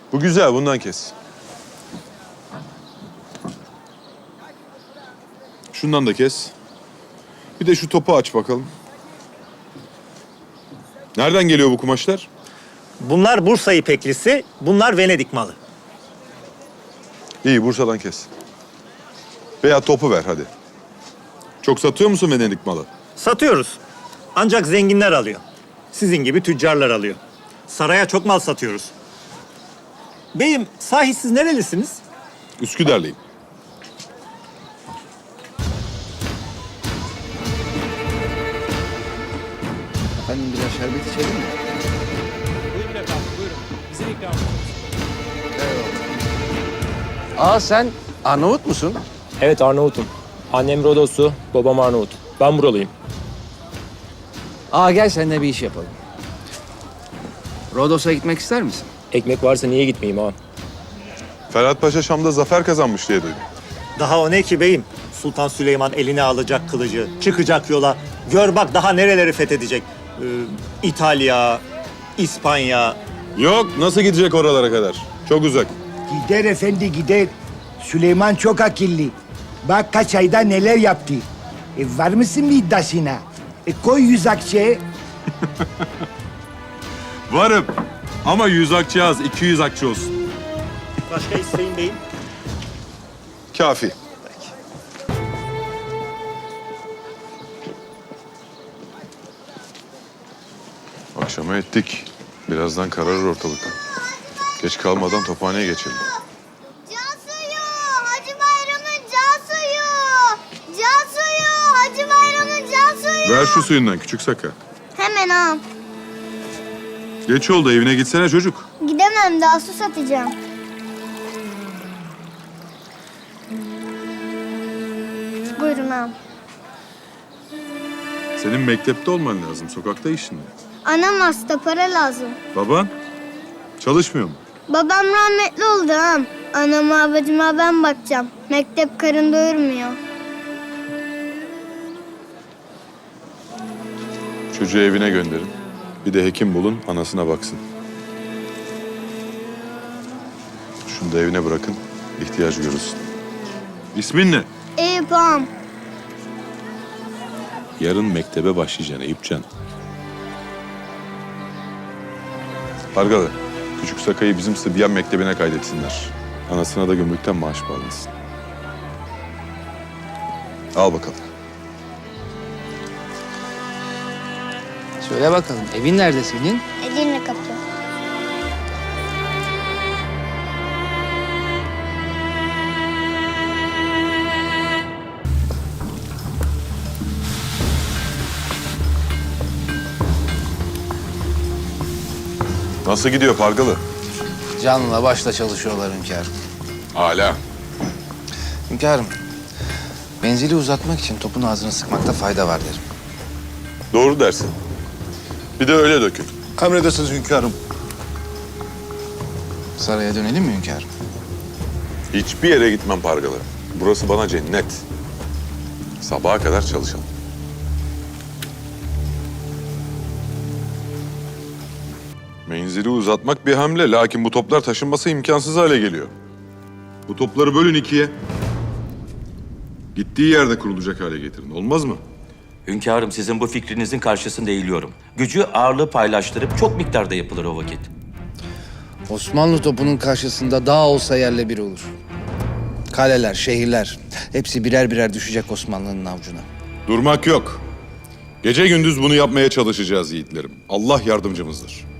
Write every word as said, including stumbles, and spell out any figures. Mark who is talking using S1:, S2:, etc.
S1: Bu güzel, bundan kes. Şundan da kes. Bir de şu topu aç bakalım. Nereden geliyor bu kumaşlar?
S2: Bunlar Bursa ipeklisi, bunlar Venedik malı.
S1: İyi, Bursa'dan kes. Veya topu ver hadi. Çok satıyor musun Venedik malı?
S2: Satıyoruz. Ancak zenginler alıyor. Sizin gibi tüccarlar alıyor. Saraya çok mal satıyoruz. Beyim, sahi siz nerelisiniz?
S1: Üsküdar'lıyım.
S3: Efendim biraz şerbet içelim mi?
S4: Buyurun efendim, buyurun. Bizim ikramımız.
S3: Aa sen Arnavut musun?
S4: Evet, Arnavut'um. Annem Rodoslu, babam Arnavut. Ben buralıyım.
S3: Aa gel seninle bir iş yapalım. Rodos'a gitmek ister misin?
S4: Ekmek varsa niye gitmeyeyim ha?
S1: Ferhat Paşa Şam'da zafer kazanmış diye duydum.
S2: Daha o ne ki beyim? Sultan Süleyman eline alacak kılıcı, çıkacak yola. Gör bak daha nereleri fethedecek. Ee, İtalya, İspanya.
S1: Yok, nasıl gidecek oralara kadar? Çok uzak.
S5: Gider efendi gider. Süleyman çok akıllı. Bak kaç ayda neler yaptı. E, var mısın bir iddiasına? E, koy yüz akçeye.
S1: Varım. Ama yüz akçe az, iki yüz akçe olsun.
S2: Başka isteyin beyim.
S1: Kafi. Akşama ettik. Birazdan kararır ortalık. Geç kalmadan tophaneye geçelim.
S6: Can suyu, Hacı Bayram'ın can suyu. Can suyu, Hacı Bayram'ın can suyu.
S1: Ver şu suyundan küçük saka.
S6: Hemen al.
S1: Geç oldu, evine gitsene çocuk.
S6: Gidemem, daha su satacağım. Buyurun al.
S1: Senin mektepte olman lazım, sokakta işin ne?
S6: Anam hasta, para lazım.
S1: Baban? Çalışmıyor mu?
S6: Babam rahmetli oldu ağam. Anama babacıma ben bakacağım. Mektep karın doyurmuyor.
S1: Çocuğu evine gönderin. Bir de hekim bulun, anasına baksın. Şunu da evine bırakın, ihtiyacı görürsün. İsmin ne?
S6: Eyüp ağam.
S1: Yarın mektebe başlayacaksın Eyüpcan. Pargalı, küçük Sakay'ı bizim Sıbyan Mektebi'ne kaydetsinler. Anasına da gümrükten maaş bağlansın. Al bakalım.
S3: Söyle bakalım evin nerede senin?
S6: Edirne kapı.
S1: Nasıl gidiyor Pargalı?
S3: Canla başla çalışıyorlar hünkârım.
S1: Hala.
S3: Hünkârım, menzili uzatmak için topun ağzını sıkmakta fayda var derim.
S1: Doğru dersin. Bir de öyle dökün.
S7: Emredersiniz hünkârım.
S3: Saraya dönelim mi hünkârım?
S1: Hiçbir yere gitmem Pargalı. Burası bana cennet. Sabaha kadar çalışalım. Menzili uzatmak bir hamle. Lakin bu toplar taşınması imkansız hale geliyor. Bu topları bölün ikiye. Gittiği yerde kurulacak hale getirin. Olmaz mı?
S8: Hünkârım, sizin bu fikrinizin karşısında eğiliyorum. Gücü ağırlığı paylaştırıp çok miktarda yapılır o vakit.
S3: Osmanlı topunun karşısında dağ olsa yerle bir olur. Kaleler, şehirler hepsi birer birer düşecek Osmanlı'nın avucuna.
S1: Durmak yok. Gece gündüz bunu yapmaya çalışacağız yiğitlerim. Allah yardımcımızdır.